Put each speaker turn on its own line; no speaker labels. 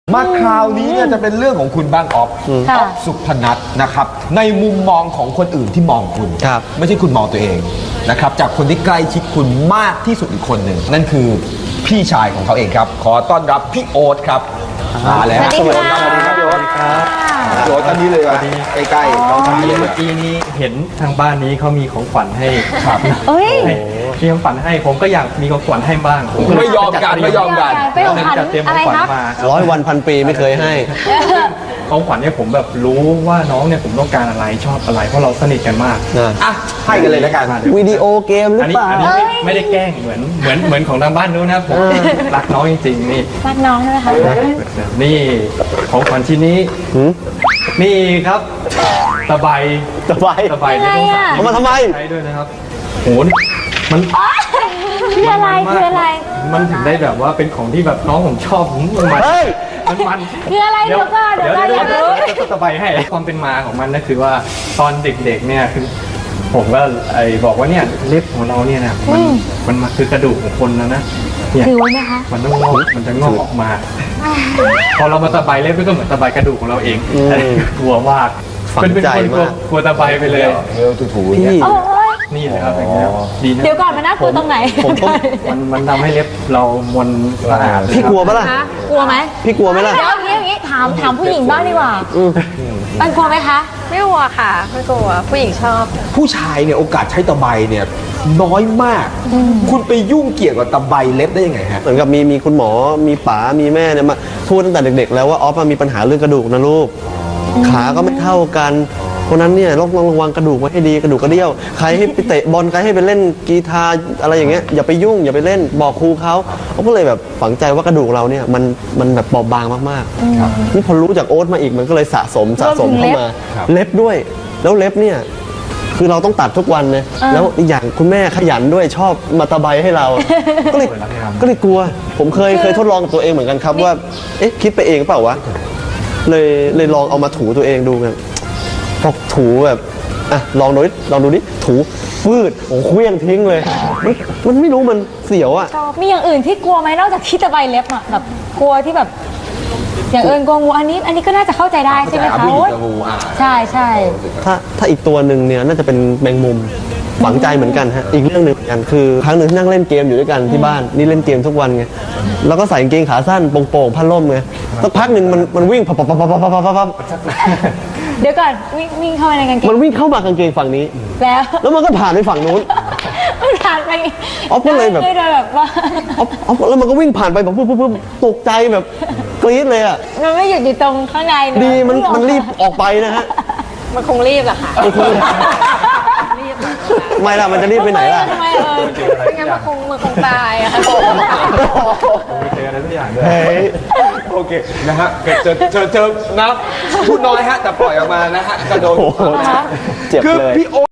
มาคราวนี้เนี่ยจะเป็นเรื่องของคุณบ้างออฟสุพนัทนะครับในมุมมองของคนอื่นที่มองคุณไม่ใช่คุณมองตัวเองนะครับจากคนที่ใกล้ชิดคุณมากที่สุดอีกคนหนึ่งนั่นคือพี่ชายของเขาเองครับขอต้อนรับพี่โอ๊ตครับมาแล้วสวัสดีครับพี่โอ๊ตพี่โอ๊ตตอนนี้เลยว่าใกล้ๆน้องชายเลย
เมื่อกี้นี้เห็นทางบ้านนี้เขามีของขวัญให้
ครับ
มีของขวัญให้ผมก็อยากมีของขวัญให้บ้างผม
ไม่ยอมกัน
จะเตรียมของขวัญมา
100 วันพันปีไม่เคยให้
ของขวัญเนี่ยผมแบบรู้ว่าน้องเนี่ยผมต้องการอะไรชอบอะไรเพราะเราสนิทกันมาก
อ่ะให้กันเลยแล้วกัน
วิดีโอเกมหรือเปล่า
อันนี้ไม่ได้แกล้งเหมือนของทางบ้านนู้นนะผมรักน้องจริงๆนี่
รักน้องใช่ไหมคะ
นี่ของขวัญชิ้นนี้นี่ครับตะไบ
เอามาทำไม
ใช้ด้วยนะครับโหมัน
คืออะไร
มันถึงได้แบบว่าเป็นของที่แบบน้องผมชอบมัน
คืออะไรเดี๋ยว
ตะไบให้ความเป็นมาของมันก็คือว่าตอนเด็กๆเนี่ยคือผมก็บอกว่าเนี่ยเล็บของเราเนี่ยนะมันคือกระดูกของคนแล้วนะเนี่ย
ถือไว้ไหมคะ
มันต้องมันจะงอกออกมาพอเรามาตะไบเล็บก็เหมือนตะไบกระดูกของเราเองกลัวมาก
เป็นคน
กลัวตะไบไปเลย
ถูๆเนี่ย
นี่เลยครับอย่างเงี้ยดีนะ
เดี๋ยวก่อนมันน่ากลัวตรงไหน
มันทำให้เล็บเรามนสะอาด
พี่กลัวปะล่ะ
กลัวไหม
พี่กลัวไหมล่ะ
เดี๋ยวอย่างนี้ถามผู้หญิงบ้างดีกว่ามันกลัวไหมคะ
ไม่กลัวค่ะไม่กลัวผู้หญิงชอบ
ผู้ชายเนี่ยโอกาสใช้ตะไบเนี่ยน้อยมากคุณไปยุ่งเกี่ยวกับตะไบเล็บได้ยังไงฮะ
เหมือนกับมีคุณหมอมีป๋ามีแม่เนี่ยมาพูดตั้งแต่เด็กๆแล้วว่าออฟมีปัญหาเรื่องกระดูกนะลูกขาก็ไม่เท่ากันเพราะนั้นเนี่ยต้องระวังกระดูกไว้ให้ดีกระดูกกระเดี่ยวใครให้ไปเตะบอลใครให้ไปเล่นกีตาร์อะไรอย่างเงี้ยอย่าไปยุ่งอย่าไปเล่นบอกครูเขาก็เลยแบบฝังใจว่ากระดูกเราเนี่ยมันแบบบอบบางมากๆนี่พอรู้จากโอ๊ตมาอีกมันก็เลยสะสมเข้ามาเล็บด้วยแล้วเล็บเนี่ยคือเราต้องตัดทุกวันเลยแล้วอีกอย่างคุณแม่ขยันด้วยชอบมาตะไบให้เราก็เลยกลัวผมเคยทดลองกับตัวเองเหมือนกันครับว่าเอ๊ะคิดไปเองเปล่าวะเลยลองเอามาถูตัวเองดูกันพอถูแบบอ่ะลองดูดิถูฟืดโอ้เคลี้ยงทิ้งเลยมันไม่รู้มันเสียวอ่ะ
มีอย่างอื่นที่กลัวไหมนอกจากที่ตะไบเล็บอ่ะแบบกลัวที่แบบอย่างอื่นกลัวงูอันนี้ก็น่าจะเข้าใจได้ใช่ไหมคะใช่
ถ้าอีกตัวหนึ่งเนี่ยน่าจะเป็นแมงมุมฝังใจเหมือนกันฮะอีกเรื่องหนึ่งเหมือนกันคือครั้งหนึ่งที่นั่งเล่นเกมอยู่ด้วยกันที่บ้านนี่เล่นเกมทุกวันไงแล้วก็ใส่กางเกงขาสั้นโป่งๆผ้าล่มไงสักพักหนึ่งมันวิ่งพับ
เดี๋ยวก่อนวิ่งเข้ามาในกางเกง
มันวิ่งเข้ามากางเกงฝั่งนี้แล้วมันก็ผ่านไปฝั่งนู้น
มันผ่านไป
ออฟก็เลยแบบ
ว่า
ออฟแล้วมันก็วิ่งผ่านไปแบบปุ๊บตกใจแบบกรี๊ดเลยอ่ะ
มันไม่หยุดอยู่ตรงข้างใน
ดีมันรีบออกไปนะฮะ
มันคงรีบแหละค่ะ
ไม่ล่ะมันจะรีบไปไหนล่ะ
ไม่งั้นมันคงตายอะค่ะ
เจออะไรทุกอย่างเลย
โอเคนะฮะเจอนะพูดน้อยฮะแต่ปล่อยออกมานะฮะกระโดด
เจ็บเลย
คือพี่โอ๊